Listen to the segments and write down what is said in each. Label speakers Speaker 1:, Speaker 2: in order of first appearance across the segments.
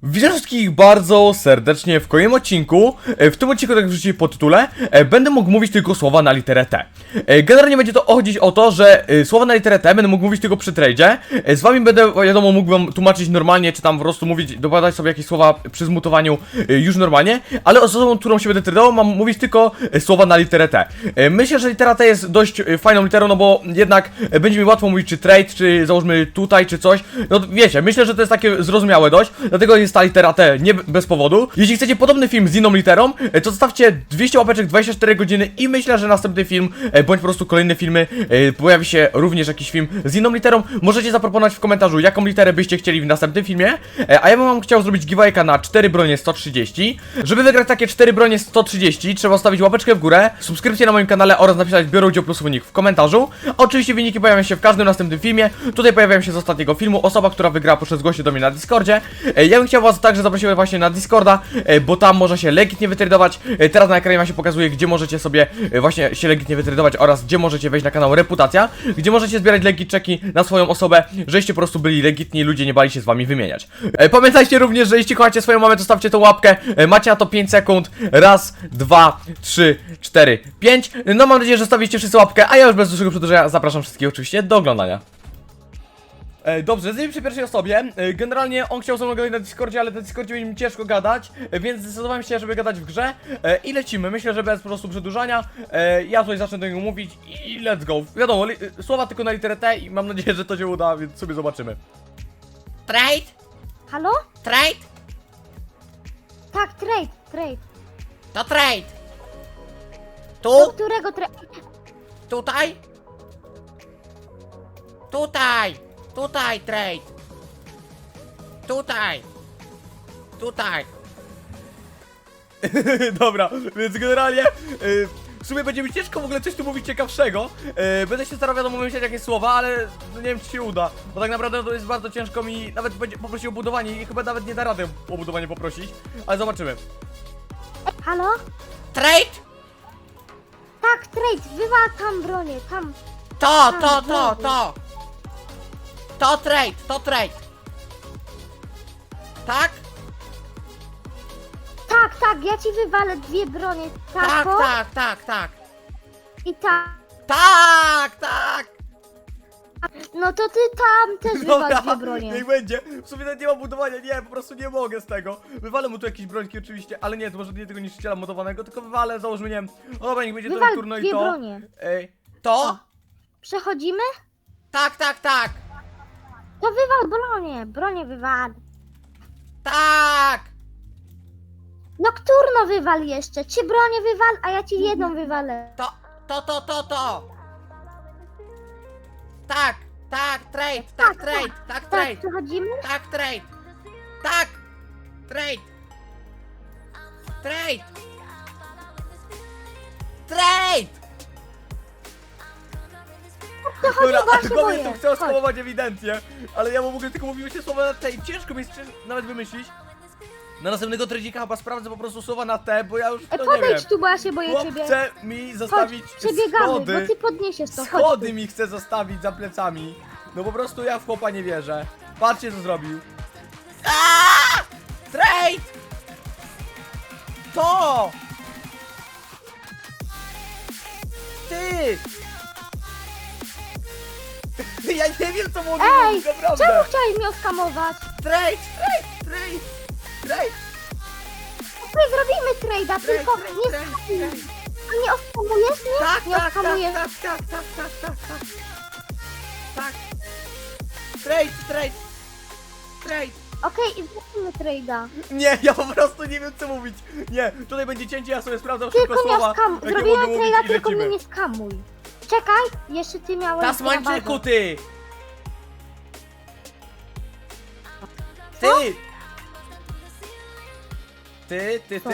Speaker 1: Witam wszystkich bardzo serdecznie w kolejnym odcinku. W tym odcinku, tak jak wrzuciłem po tytule, będę mógł mówić tylko słowa na literę T. Generalnie będzie to chodzić o to, że słowa na literę T będę mógł mówić tylko przy tradzie. Z wami będę, wiadomo, mógł wam tłumaczyć normalnie, czy tam po prostu mówić, dokładać sobie jakieś słowa przy zmutowaniu już normalnie, ale osobą, którą się będę tradował, mam mówić tylko słowa na literę T. Myślę, że litera T jest dość fajną literą, no bo jednak będzie mi łatwo mówić, czy trade, czy załóżmy tutaj, czy coś. No wiecie, myślę, że to jest takie zrozumiałe dość, dlatego jest ta litera T nie bez powodu. Jeśli chcecie podobny film z inną literą, to zostawcie 200 łapeczek 24 godziny i myślę, że następny film, bądź po prostu kolejne filmy, pojawi się również jakiś film z inną literą. Możecie zaproponować w komentarzu, jaką literę byście chcieli w następnym filmie, a ja bym wam chciał zrobić giveawayka na 4 bronie 130. Żeby wygrać takie 4 bronie 130, trzeba zostawić łapeczkę w górę, subskrypcję na moim kanale oraz napisać biorę udział plus wynik w komentarzu. Oczywiście wyniki pojawią się w każdym następnym filmie. Tutaj pojawiają się z ostatniego filmu osoba, która wygra poprzez zgłosie do mnie na Discordzie. Ja bym chciał was także zaprosić właśnie na Discorda, bo tam można się legitnie wytradować. Teraz na ekranie wam się pokazuje, gdzie możecie sobie właśnie się legitnie wytradować oraz gdzie możecie wejść na kanał Reputacja, gdzie możecie zbierać legit checki na swoją osobę, żeście po prostu byli legitni i ludzie nie bali się z wami wymieniać. Pamiętajcie również, że jeśli kochacie swoją mamę, to stawcie tą łapkę. Macie na to 5 sekund. Raz, 2, 3, 4, 5. No mam nadzieję, że stawicie wszyscy łapkę, a ja już bez dłuższego przedłużenia zapraszam wszystkich oczywiście do oglądania. Dobrze, lecimy przy pierwszej osobie. Generalnie on chciał ze mną gadać na Discordzie, ale na Discordzie będzie mi ciężko gadać, więc zdecydowałem się, żeby gadać w grze. I lecimy, myślę, że bez po prostu przedłużania. Ja tutaj zacznę do niego mówić i let's go. Wiadomo, słowa tylko na literę T i mam nadzieję, że to się uda, więc sobie zobaczymy.
Speaker 2: Trade?
Speaker 3: Halo?
Speaker 2: Trade?
Speaker 3: Tak, trade.
Speaker 2: To trade.
Speaker 3: Do
Speaker 2: Tu?
Speaker 3: którego trade?
Speaker 2: Tutaj? Tutaj. Tutaj trade. Tutaj. Tutaj.
Speaker 1: Dobra, więc generalnie w sumie będzie mi ciężko w ogóle coś tu mówić ciekawszego. Będę się starał, wiadomo, wymyślać jakieś słowa, ale no nie wiem, czy się uda. Bo tak naprawdę to jest bardzo ciężko mi nawet będzie poprosić o budowanie i chyba nawet nie da rady o budowanie poprosić. Ale zobaczymy.
Speaker 3: Halo?
Speaker 2: Trade?
Speaker 3: Tak, trade. Wywal tam bronię, tam.
Speaker 2: To trade, to trade. Tak?
Speaker 3: Tak, ja ci wywalę dwie bronie.
Speaker 2: Tak,
Speaker 3: o,
Speaker 2: tak.
Speaker 3: I tak.
Speaker 2: Tak.
Speaker 3: No to ty tam też wywal dwie bronie.
Speaker 1: niech będzie. W sumie nawet nie mam budowania, nie, po prostu nie mogę z tego. Wywalę mu tu jakieś brońki oczywiście, ale nie, to może nie tego niszczyciela modowanego, tylko wywalę, załóżmy, nie wiem. O dobra, niech będzie to
Speaker 3: Wywal
Speaker 1: turno i
Speaker 3: dwie
Speaker 1: to.
Speaker 3: bronie.
Speaker 2: To?
Speaker 3: Przechodzimy?
Speaker 2: Tak.
Speaker 3: To wywal bronię wywal.
Speaker 2: Tak.
Speaker 3: Nocturno wywal jeszcze. 3 bronie wywal, a ja ci jedną wywalę.
Speaker 2: To. Tak, trade, tak, trade.
Speaker 3: Tak, przechodzimy?
Speaker 2: Tak, trade. Tak, trade. Trade.
Speaker 1: Dobra,
Speaker 3: bo ja
Speaker 1: ale
Speaker 3: się
Speaker 1: głowie
Speaker 3: boję.
Speaker 1: to chcę
Speaker 3: Chodź.
Speaker 1: skamować ewidentnie. Ale ja mu w ogóle tylko mówiłem się słowa na T i ciężko mi jest nawet wymyślić. Na następnego tradzika chyba sprawdzę po prostu słowa na T, bo ja już to nie wiem.
Speaker 3: Podejdź tu, bo ja się boję
Speaker 1: Chłop
Speaker 3: ciebie.
Speaker 1: chce mi
Speaker 3: Chodź,
Speaker 1: zostawić
Speaker 3: przebiegamy,
Speaker 1: schody.
Speaker 3: bo ty podniesiesz to. Chodź
Speaker 1: Schody
Speaker 3: tu.
Speaker 1: mi chce zostawić za plecami. No po prostu ja w chłopa nie wierzę. Patrzcie co zrobił.
Speaker 2: Trade.
Speaker 1: To!
Speaker 2: Ty.
Speaker 1: Ja nie wiem co mogę
Speaker 3: Ej,
Speaker 1: mówić, naprawdę.
Speaker 3: czemu chciałeś mnie oskamować?
Speaker 2: Trade.
Speaker 3: My zrobimy trade'a, tylko nie skamuj. A nie oskamujesz mnie?
Speaker 2: Tak,
Speaker 3: Nie oskamujesz.
Speaker 2: Tak. Trade.
Speaker 3: Okej, i zrobimy trade'a.
Speaker 1: Nie, ja po prostu nie wiem co mówić. Nie, tutaj będzie cięcie, ja sobie sprawdzam szybko
Speaker 3: Tylko nie
Speaker 1: słowa.
Speaker 3: oskamuj.
Speaker 1: jakie
Speaker 3: Zrobimy
Speaker 1: mogę mówić
Speaker 3: trade'a,
Speaker 1: i
Speaker 3: tylko mnie
Speaker 1: lecimy.
Speaker 3: nie skamuj. Czekaj, jeszcze ty miałeś...
Speaker 1: Tasmańczyku, ty!
Speaker 3: Co?
Speaker 1: Ty!
Speaker 3: Co?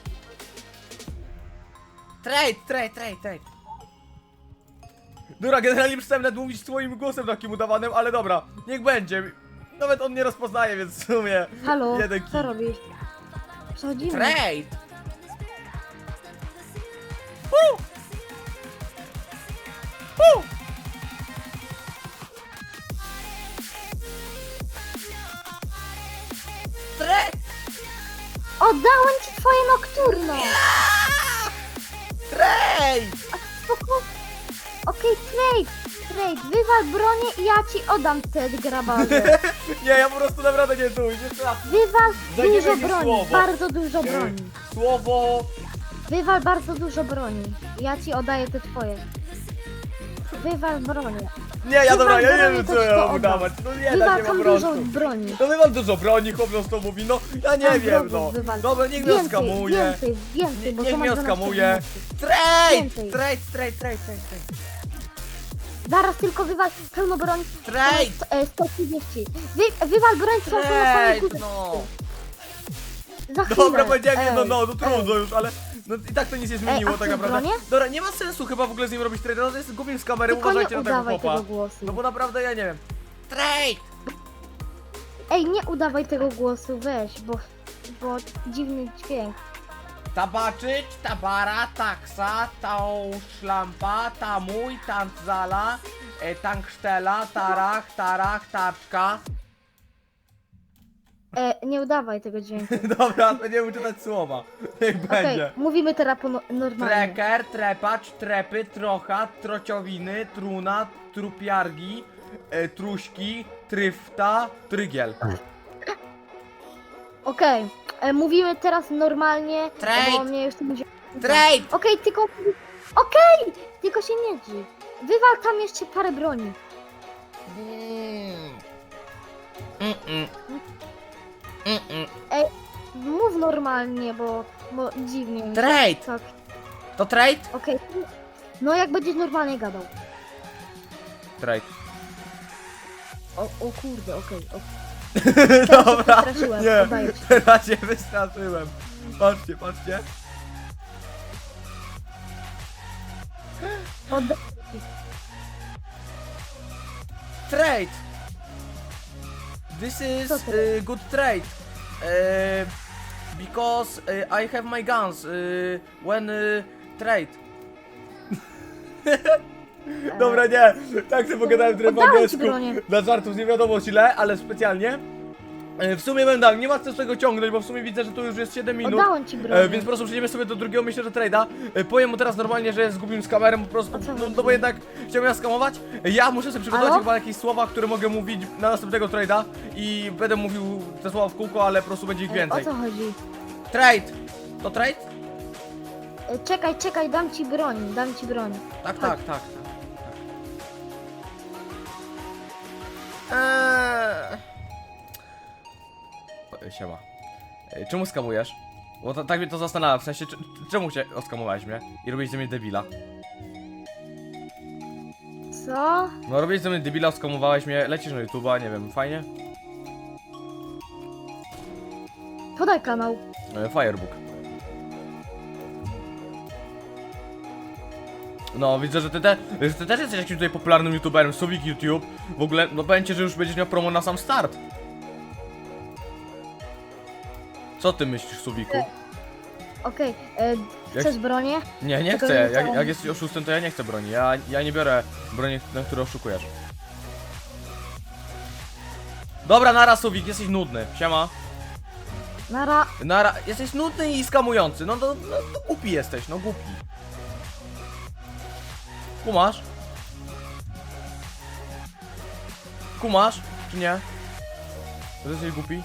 Speaker 2: Trade.
Speaker 1: Dobra, generalnie przestałem nawet mówić swoim głosem takim udawanym, ale dobra, niech będzie. Nawet on nie rozpoznaje, więc w sumie
Speaker 3: Halo,
Speaker 1: jeden
Speaker 3: co
Speaker 1: kij.
Speaker 3: robisz? Przechodzimy.
Speaker 2: Trade. Trade.
Speaker 3: Oddałem ci twoje nocturno!
Speaker 2: Trade!
Speaker 3: Spoko. Okej, trade, wywal bronię i ja ci oddam te grabarze.
Speaker 1: Nie, ja po prostu naprawdę nie tu, nie trafię.
Speaker 3: Wywal
Speaker 1: Daj mi
Speaker 3: dużo
Speaker 1: jakieś
Speaker 3: broni,
Speaker 1: słowo.
Speaker 3: bardzo dużo broni.
Speaker 1: Słowo...
Speaker 3: Wywal bardzo dużo broni. Ja ci oddaję te twoje. Wywal bronię.
Speaker 1: Nie, ja dobra, ja nie
Speaker 3: broni,
Speaker 1: wiem
Speaker 3: to
Speaker 1: co
Speaker 3: ci
Speaker 1: ja
Speaker 3: to
Speaker 1: mam
Speaker 3: oddam.
Speaker 1: udawać. No nie da
Speaker 3: Wywal
Speaker 1: się po
Speaker 3: tam dużo
Speaker 1: prostu.
Speaker 3: broni.
Speaker 1: No wywal dużo broni, chłop to mówi, no ja nie
Speaker 3: Tam
Speaker 1: wiem,
Speaker 3: wrogów
Speaker 1: no.
Speaker 3: wywal.
Speaker 1: Dobra, niech mnie oskamuje.
Speaker 3: Więcej, bo
Speaker 1: Niech
Speaker 3: to ma
Speaker 1: mnie
Speaker 3: 12
Speaker 1: oskamuje.
Speaker 3: pomocy.
Speaker 2: Trade!
Speaker 3: Więcej.
Speaker 2: Trade!
Speaker 3: Zaraz tylko wywal pełno broni.
Speaker 2: Trade!
Speaker 3: 130. Wywal broń całą na
Speaker 2: Trade!
Speaker 3: górze.
Speaker 2: No!
Speaker 3: Za chwilę.
Speaker 1: Dobra, powiedziałem jedno,
Speaker 3: Ej,
Speaker 1: no trudno już, ale no i tak to nic nie zmieniło
Speaker 3: a
Speaker 1: tak
Speaker 3: chcesz
Speaker 1: naprawdę.
Speaker 3: bronię?
Speaker 1: Dobra, nie ma sensu chyba w ogóle z nim robić trade, no to jest głupim z kamery,
Speaker 3: Tylko
Speaker 1: uważajcie
Speaker 3: nie
Speaker 1: na tego
Speaker 3: udawaj
Speaker 1: chłopa.
Speaker 3: tego głosu.
Speaker 1: No bo naprawdę ja nie wiem.
Speaker 2: Trade!
Speaker 3: Ej, nie udawaj tego głosu, weź, bo dziwny dźwięk.
Speaker 2: Tabaczyć, tabara, taksa, tał szlampa, tamuj, tantzala, tanksztela, tarach, taczka.
Speaker 3: Nie udawaj tego dźwięku.
Speaker 1: Dobra, będziemy czytać słowa. Niech
Speaker 3: Okej,
Speaker 1: będzie.
Speaker 3: mówimy teraz normalnie.
Speaker 2: Treker, trepacz, trepy, trocha, trociowiny, truna, trupiargi,
Speaker 1: Truśki, tryfta, trygiel.
Speaker 3: Okej, mówimy teraz normalnie,
Speaker 2: Trade.
Speaker 3: bo mnie już to będzie...
Speaker 2: Trade!
Speaker 3: Okej, tylko się nie drzyj. Wywal tam jeszcze parę broni. Mów normalnie, bo dziwnie mi się.
Speaker 2: Trade!
Speaker 3: Tak,
Speaker 2: To trade?
Speaker 3: okej. No jak będziesz normalnie gadał.
Speaker 1: Trade.
Speaker 3: O kurde, okej.
Speaker 1: Dobra,
Speaker 3: przestraszyłem,
Speaker 1: nie,
Speaker 3: oddaję ci.
Speaker 1: teraz się wystraszyłem. Patrzcie.
Speaker 3: Oddaję ci.
Speaker 2: Trade! This is
Speaker 3: Co trade?
Speaker 2: good trade. Because I have my guns when trade.
Speaker 1: Dobra, nie, tak sobie pogadałem trochę po
Speaker 3: Oddałem ci
Speaker 1: angielsku.
Speaker 3: bronię.
Speaker 1: Dla żartów nie wiadomo źle, ale specjalnie. W sumie będę, nie ma co z tego ciągnąć, bo w sumie widzę, że tu już jest 7 minut.
Speaker 3: Oddałem ci bronię.
Speaker 1: Więc po prostu przejdziemy sobie do drugiego, myślę, że trade'a. Powiem mu teraz normalnie, że zgubiłem z kamerą, po prostu,
Speaker 3: O co
Speaker 1: no
Speaker 3: chodzi?
Speaker 1: bo jednak chciałem nas skamować. Ja muszę sobie przygotować
Speaker 3: Halo?
Speaker 1: chyba jakieś słowa, które mogę mówić na następnego trade'a. I będę mówił te słowa w kółko, ale po prostu będzie ich
Speaker 3: O
Speaker 1: więcej.
Speaker 3: co chodzi?
Speaker 2: Trade! To trade?
Speaker 3: Czekaj, dam ci broń.
Speaker 2: Tak.
Speaker 1: Siema. Czemu skamujesz? Bo tak mnie to zastanawia, w sensie, czemu oskamowałeś mnie i robiłeś ze mnie debila?
Speaker 3: Co?
Speaker 1: No robiłeś ze mnie debila, oskamowałeś mnie, lecisz na YouTube'a, nie wiem, fajnie?
Speaker 3: Podaj kanał.
Speaker 1: Firebook. No, widzę, że ty też jesteś jakimś tutaj popularnym youtuberem, Subik YouTube. W ogóle, no powiem ci, że już będziesz miał promo na sam start. Co ty myślisz, Subiku?
Speaker 3: Okej,
Speaker 1: Jak-
Speaker 3: chcesz bronię?
Speaker 1: Nie
Speaker 3: Tylko
Speaker 1: chcę,
Speaker 3: nie
Speaker 1: jak
Speaker 3: chciałem.
Speaker 1: jesteś oszustem, to ja nie chcę broni. Ja nie biorę broni, na które oszukujesz. Dobra, nara, Subik, jesteś nudny. Siema. Nara, jesteś nudny i skamujący. No głupi jesteś, no głupi. Kumasz? Kumasz, czy nie? Że jesteś głupi?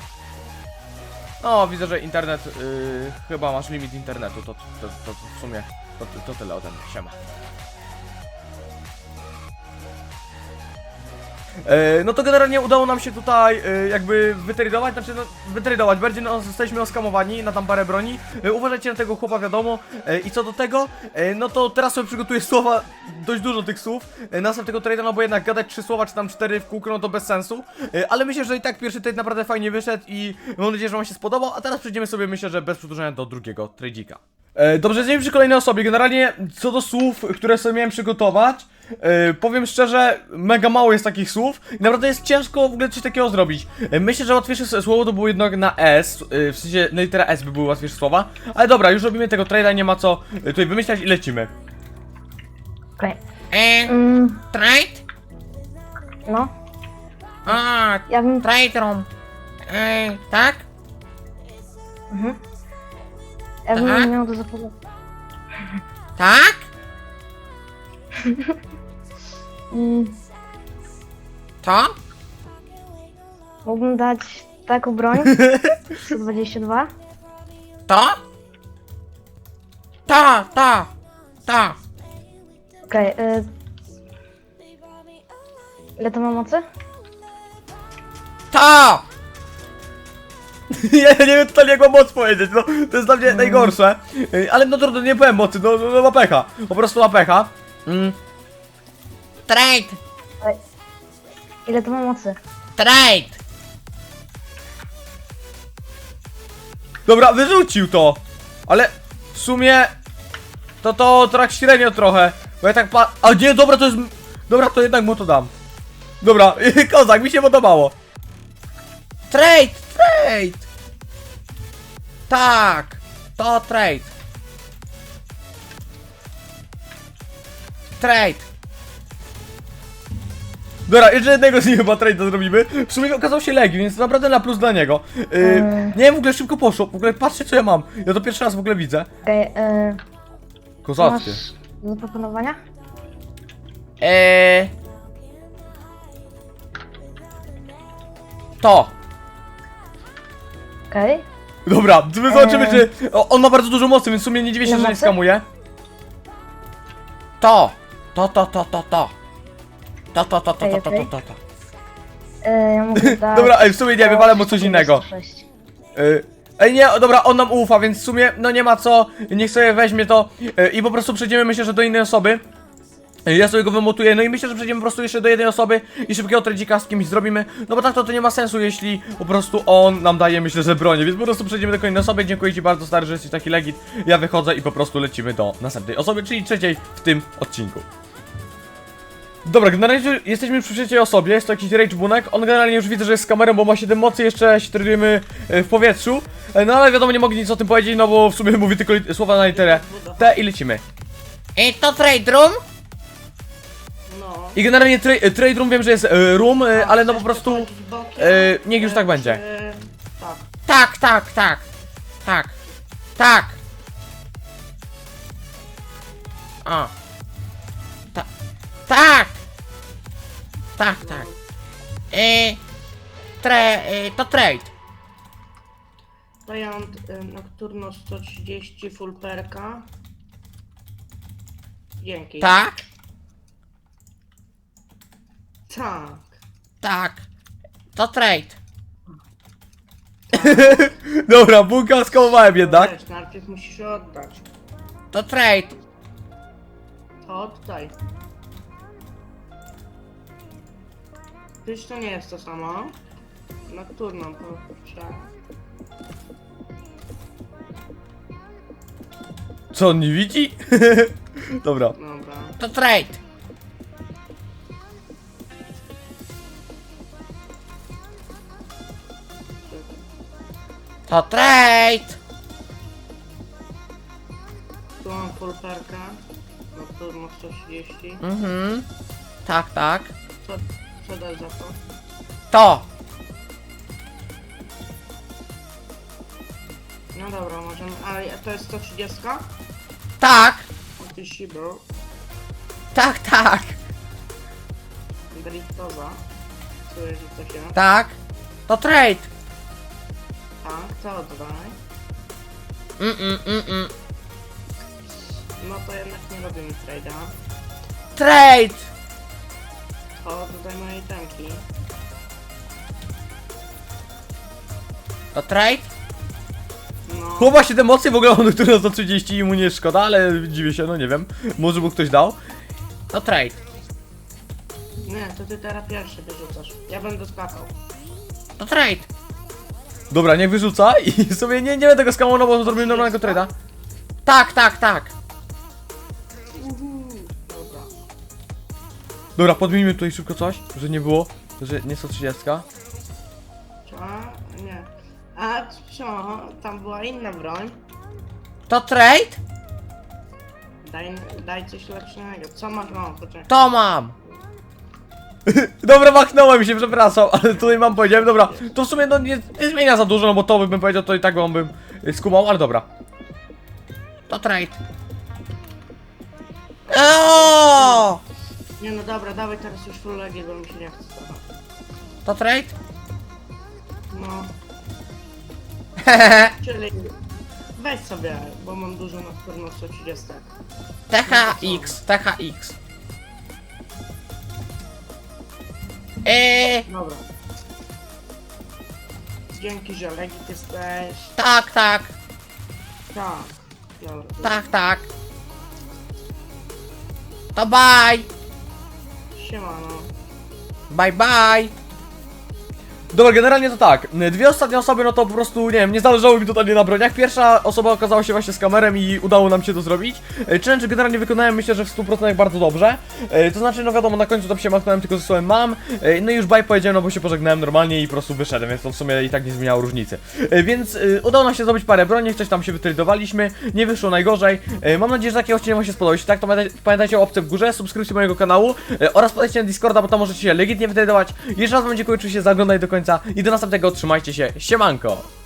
Speaker 1: No, widzę, że internet, chyba masz limit internetu, to w sumie, to tyle ode mnie, siema. No to generalnie udało nam się tutaj jakby wytradować, znaczy no, wytradować, bardziej no, zostaliśmy oskamowani na tam parę broni. Uważajcie na tego chłopa, wiadomo. I co do tego, no to teraz sobie przygotuję słowa, dość dużo tych słów. Następnego trade'a, no bo jednak gadać 3 słowa czy tam 4 w kółko, no to bez sensu. Ale myślę, że i tak pierwszy trade naprawdę fajnie wyszedł i mam nadzieję, że wam się spodobał. A teraz przejdziemy sobie, myślę, że bez przedłużenia do drugiego trade'ika. Dobrze, jesteśmy przy kolejnej osobie. Generalnie co do słów, które sobie miałem przygotować, powiem szczerze, mega mało jest takich słów i naprawdę jest ciężko w ogóle coś takiego zrobić. Myślę, że łatwiejsze słowo to było jednak na S, w sensie na litera S by były łatwiejsze słowa. Ale dobra, już robimy tego trade'a, nie ma co tutaj wymyślać i lecimy.
Speaker 3: Okej.
Speaker 2: Trade?
Speaker 3: No,
Speaker 2: A,
Speaker 3: ja bym...
Speaker 2: trade room. Tak?
Speaker 3: Ja bym
Speaker 4: Tak?
Speaker 3: miał do zapowiedzi.
Speaker 4: Tak? To?
Speaker 3: Mógłbym dać taką broń. 122.
Speaker 4: To? To.
Speaker 3: Okej, ile to ma mocy?
Speaker 4: To!
Speaker 1: Ja nie wiem totalnie jak mam moc powiedzieć, no to jest dla mnie najgorsze. Ale no trudno, nie powiem mocy, no ma pecha. Po prostu ma pecha.
Speaker 4: Trade!
Speaker 3: Ile to ma mocy?
Speaker 4: Trade!
Speaker 1: Dobra, wyrzucił to. Ale w sumie to tak średnio trochę. Bo ja tak a nie, dobra, to jest... Dobra, to jednak mu to dam. Dobra, kozak, mi się podobało.
Speaker 4: Trade! Tak! To trade! Trade!
Speaker 1: Dobra, jeszcze jednego z nich chyba trade'a zrobimy. W sumie okazał się Legi, więc naprawdę na plus dla niego. Nie wiem, w ogóle szybko poszło. W ogóle patrzcie co ja mam. Ja to pierwszy raz w ogóle widzę.
Speaker 3: Okej,
Speaker 1: Kozackie.
Speaker 3: masz do zaproponowania?
Speaker 4: To!
Speaker 3: Okej.
Speaker 1: Dobra, my zobaczymy, czy... on ma bardzo dużo mocy, więc w sumie nie dziwię się,
Speaker 3: Ile
Speaker 1: że nie
Speaker 3: mocy?
Speaker 1: skamuje.
Speaker 4: To!
Speaker 3: Ja mogę dać...
Speaker 1: Dobra, w sumie nie, wywalę mu coś innego.
Speaker 3: 126.
Speaker 1: Ej nie, dobra, on nam ufa, więc w sumie, no nie ma co, niech sobie weźmie to i po prostu przejdziemy, myślę, że do innej osoby. Ja sobie go wymutuję, no i myślę, że przejdziemy po prostu jeszcze do jednej osoby i szybkiego tradzika z kimś zrobimy. No bo tak to nie ma sensu, jeśli po prostu on nam daje, myślę, że bronię, więc po prostu przejdziemy do kolejnej osoby. Dziękuję ci bardzo, stary, że jesteś taki legit. Ja wychodzę i po prostu lecimy do następnej osoby, czyli trzeciej w tym odcinku. Dobra, generalnie jesteśmy przy trzeciej osobie, jest to jakiś rage bunek. On generalnie już widzę, że jest z kamerą, bo ma 7 mocy, jeszcze się tradujemy w powietrzu. No ale wiadomo, nie mogę nic o tym powiedzieć, no bo w sumie mówi tylko słowa na literę T i lecimy.
Speaker 4: To trade room?
Speaker 2: No.
Speaker 1: I generalnie trade room wiem, że jest room, ale no po prostu niech już tak będzie.
Speaker 2: Tak.
Speaker 4: Tak. O. Tak. To trade.
Speaker 2: Giant Nocturno 130 full perka. Dzięki.
Speaker 4: Tak.
Speaker 2: Tak.
Speaker 4: To trade.
Speaker 1: Dobra, bunka skałowałem jednak.
Speaker 2: Wiesz, najpierw musisz oddać.
Speaker 4: To trade.
Speaker 2: To oddaj. Przecież to nie jest to samo. Nocturno, proszę.
Speaker 1: Co, on nie widzi? Dobra.
Speaker 2: Dobra.
Speaker 4: To trade. To trade.
Speaker 2: Tu mam full perka. Nocturno 130.
Speaker 4: Tak.
Speaker 2: Co dasz za to?
Speaker 4: To.
Speaker 2: No dobra, możemy. Ale to jest 130?
Speaker 4: Tak.
Speaker 2: O ty shibor.
Speaker 4: Tak.
Speaker 2: Driftowa. Czuję, że to się.
Speaker 4: Tak. To trade.
Speaker 2: Tak, co oddaj? No to jednak nie robimy trade'a.
Speaker 4: Trade.
Speaker 2: To dodaj mojej tanki.
Speaker 4: To trade.
Speaker 2: No.
Speaker 1: Chłopa 7 mocy, w ogóle on który za 30 i mu nie szkoda, ale dziwię się, no nie wiem. Może mu ktoś dał.
Speaker 4: To trade.
Speaker 2: Nie, to ty teraz pierwszy wyrzucasz. Ja będę skakał.
Speaker 4: To trade.
Speaker 1: Dobra, niech wyrzuca i sobie nie będę go skamował, bo zrobimy normalnego trade'a.
Speaker 4: Tak.
Speaker 2: Dobra.
Speaker 1: Dobra, podmijmy tutaj szybko coś, że nie było, że nie 130.
Speaker 2: Co? Nie. A co? Tam była inna broń.
Speaker 4: To trade.
Speaker 2: Daj coś lepszego. Co masz? O, poczekaj.
Speaker 4: To mam.
Speaker 1: Dobra, machnąłem się, przepraszam, ale tutaj mam powiedziałem, dobra, to w sumie no nie zmienia za dużo, no bo to bym powiedział, to i tak on bym skumał, ale dobra.
Speaker 4: To trade. O!
Speaker 2: Nie no dobra, dawaj teraz już full legit, bo mi się nie chce.
Speaker 4: To trade?
Speaker 2: No,
Speaker 4: Hehehe.
Speaker 2: czyli weź sobie, bo mam dużo na pewno 130.
Speaker 4: THX, THX.
Speaker 2: Dobra. Dzięki, że legit jesteś.
Speaker 4: Tak, tak,
Speaker 2: Tak. Dobra.
Speaker 4: tak, tak. To bye.
Speaker 2: Siemano.
Speaker 4: Bye, bye.
Speaker 1: Dobra, generalnie to tak, dwie ostatnie osoby, no to po prostu, nie wiem, nie zależało mi totalnie na broniach. Pierwsza osoba okazała się właśnie z kamerem i udało nam się to zrobić. Challenge generalnie wykonałem, myślę, że w 100% bardzo dobrze. To znaczy, no wiadomo, na końcu tam się machnąłem tylko ze słowem mam. No i już bye powiedziałem, no bo się pożegnałem normalnie i po prostu wyszedłem, więc to w sumie i tak nie zmieniało różnicy. Więc udało nam się zrobić parę broni, coś tam się wytradowaliśmy, nie wyszło najgorzej. Mam nadzieję, że taki odcinek wam się spodobał. Jeśli tak, to pamiętajcie o opcji w górze, subskrypcji mojego kanału oraz podejście na Discorda, bo tam możecie się legitnie wytradować. Jeszcze raz wam dziękuję oczywiście za oglądanie do końca i do następnego, trzymajcie się, siemanko!